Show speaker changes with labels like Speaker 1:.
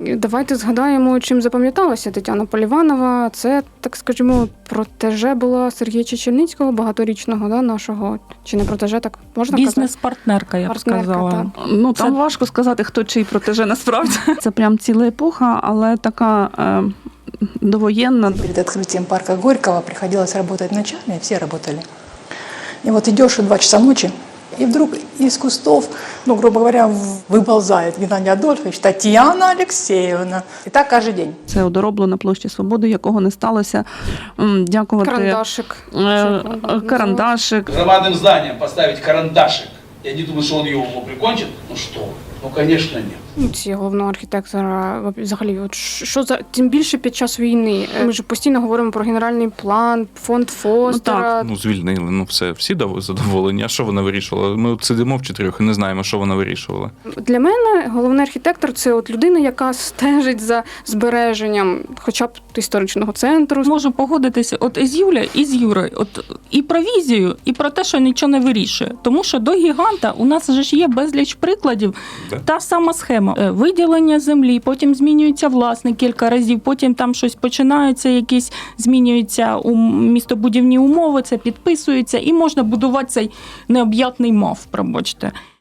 Speaker 1: Давайте згадаємо, чим запам'яталася Тетяна Поліванова. Це, так скажімо, протеже була Сергія Чечельницького, багаторічного, да, нашого. Чи не протеже, так можна казати?
Speaker 2: Бізнес-партнерка, я б сказала.
Speaker 1: Так.
Speaker 3: Ну, там важко сказати, хто чий протеже насправді. Це прям ціла епоха, але така довоєнна.
Speaker 4: Перед открытием парка Горького приходилось работать ночами, все работали. И вот идешь в 2 часа ночи, и вдруг из кустов, ну, грубо говоря, выползает Геннадий Адольфович, Татьяна Алексеевна. И так каждый день.
Speaker 3: Це одоробло на площі Свободи, якого не сталося. Дякувати.
Speaker 1: Карандашик.
Speaker 3: Карандашик.
Speaker 5: Громадным зданием поставить карандашик. Я не думаю, что он его прикончит. Ну что? Ну, конечно, нет.
Speaker 1: Ці головного архітектора, взагалі, от що за, тим більше під час війни. Ми ж постійно говоримо про генеральний план, фонд Фостера.
Speaker 6: Ну, звільнили, все, всі задоволені. А що вона вирішувала? Ми от сидимо в 4 і не знаємо, що вона вирішувала.
Speaker 1: Для мене головний архітектор – це от людина, яка стежить за збереженням хоча б історичного центру.
Speaker 2: Можу погодитися от із Юлею, і з Юрою. От і про візію, і про те, що нічого не вирішує. Тому що до гіганта у нас же ж є безліч прикладів.
Speaker 6: Да.
Speaker 2: Та сама схема. Виділення землі, потім змінюється власник кілька разів, потім там щось починаються, якісь змінюються містобудівні умови, це підписується, і можна будувати цей необ'ятний мав, пробачте.